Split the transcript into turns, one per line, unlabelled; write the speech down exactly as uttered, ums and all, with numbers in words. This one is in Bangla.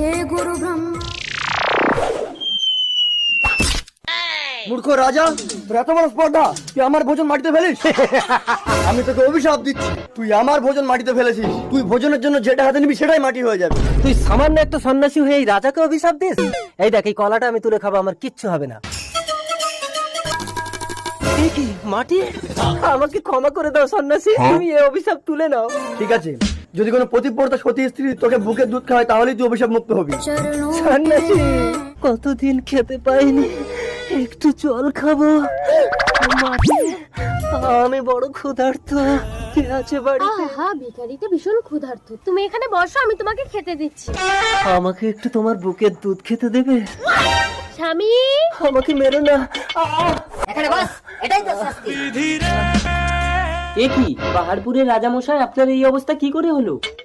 হে গুরু ব্রহ্মা।
মূর্খ রাজা, তোর এত বড় স্পর্ধা, তুই আমার ভোজন মাটিতে ফেলিস? আমি তোকে অভিশাপ দিচ্ছি, তুই আমার ভোজন মাটিতে ফেলেছিস। তুই ভোজনের জন্য যেটা হাতে নিবি সেটাই মাটি হয়ে যাবে।
তুই সামান্য একটা সন্ন্যাসী হয়ে এই রাজাকে অভিশাপ দিস? এই দেখ, এই কলাটা আমি তুলে খাবো, আমার কিচ্ছু হবে না। এ কি মাটি? আমাকে ক্ষমা করে দাও সন্ন্যাসী, তুমি এই অভিশাপ তুলে নাও।
ঠিক আছে, যদি কোনো পতিব্রতা সতী স্ত্রী তোকে বুকের দুধ খাওয়ায় তাহলেই তুই অভিশাপ মুক্ত হবি।
চরণোं
সন্ন্যাসী, কতদিন খেতে পাইনি, একটু জল খাবো। মাটি, আমি বড় ক্ষুধার্ত, কে আছে বাড়িতে?
আহা, ভিখারিটা ভীষণ ক্ষুধার্ত। তুমি এখানে বসো, আমি তোমাকে খেতে দিচ্ছি।
আমাকে একটু তোমার বুকের দুধ খেতে দেবে?
স্বামী,
আমাকে মেরো না।
এখানে বস, এটাই তো শাস্তি।
এ কি পাহাড়পুরের রাজামশাই, আপনার এই অবস্থা কি করে হলো?